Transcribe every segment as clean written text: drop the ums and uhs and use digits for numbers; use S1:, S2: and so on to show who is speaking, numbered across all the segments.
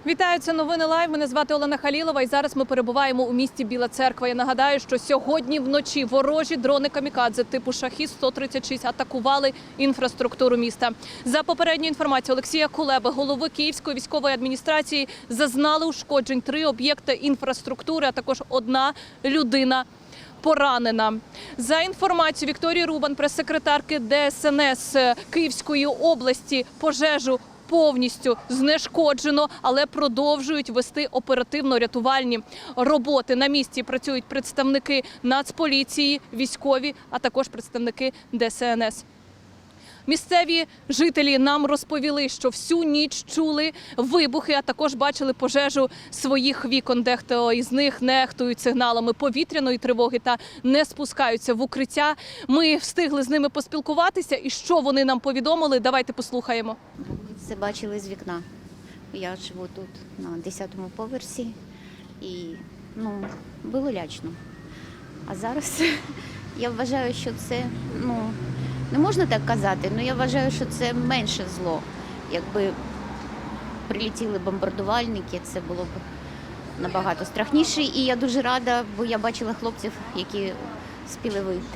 S1: Вітаю, це новини Лайв. Мене звати Олена Халілова і зараз ми перебуваємо у місті Біла Церква. Я нагадаю, що сьогодні вночі ворожі дрони камікадзе типу «Шахід-136» атакували інфраструктуру міста. За попередньою інформацією Олексія Кулеби, голови Київської військової адміністрації, зазнали ушкоджень 3 об'єкти інфраструктури, а також 1 людина поранена. За інформацією Вікторії Рубан, прес-секретарки ДСНС Київської області, пожежу повністю знешкоджено, але продовжують вести оперативно-рятувальні роботи. На місці працюють представники Нацполіції, військові, а також представники ДСНС. Місцеві жителі нам розповіли, що всю ніч чули вибухи, а також бачили пожежу своїх вікон. Дехто із них нехтують сигналами повітряної тривоги та не спускаються в укриття. Ми встигли з ними поспілкуватися. І що вони нам повідомили, давайте послухаємо.
S2: Це бачили з вікна. Я живу тут на 10-му поверсі і було лячно. А зараз я вважаю, що це, не можна так казати, але я вважаю, що це менше зло. Якби прилетіли бомбардувальники, це було б набагато страшніше. І я дуже рада, бо я бачила хлопців, які спіли вийти.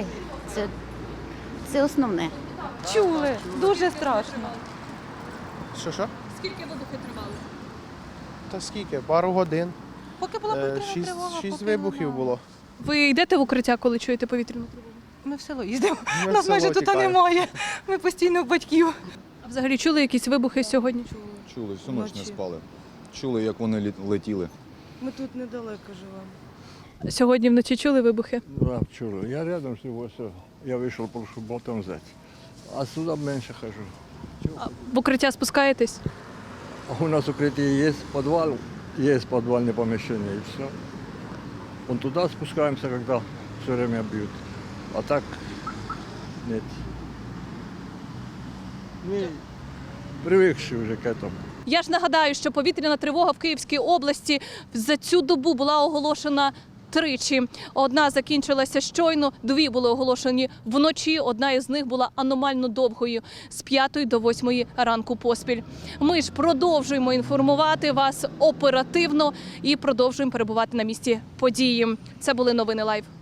S2: Це основне.
S3: Чули, дуже страшно.
S4: Що?
S1: Скільки вибухи тривали?
S4: Та скільки? Пару годин.
S3: Поки була повітряна тривога.
S4: Шість
S3: поки
S4: вибухів
S3: вона-
S4: було.
S1: Ви йдете в укриття, коли чуєте повітряну тривогу?
S3: Ми в село їздимо.
S4: Ми в
S3: Нас майже
S4: село
S3: тут
S4: тікаємо.
S3: немає. Ми постійно у батьків.
S1: А взагалі чули якісь вибухи сьогодні?
S5: Чули, всю ніч не
S3: Вночі.
S5: спали. Чули, як вони летіли.
S3: Ми тут недалеко живемо.
S1: Сьогодні вночі чули вибухи?
S6: Да, чую. Я рядом живу, все. Я вышел, прошу болтом взять. А сюда меньше хожу.
S1: В укриття спускаєтесь?
S6: А у нас укрытие есть, подвал, есть подвальное помещение и все. Вон туда спускаемся, когда все время бьют. А так нет. Мы привыкшие уже к этому.
S1: Я ж нагадаю, що повітряна тривога в Київській області за цю добу була оголошена тричі. Одна закінчилася щойно, 2 були оголошені вночі. Одна із них була аномально довгою – з 5 до 8 ранку поспіль. Ми ж продовжуємо інформувати вас оперативно і продовжуємо перебувати на місці події. Це були новини Лайв.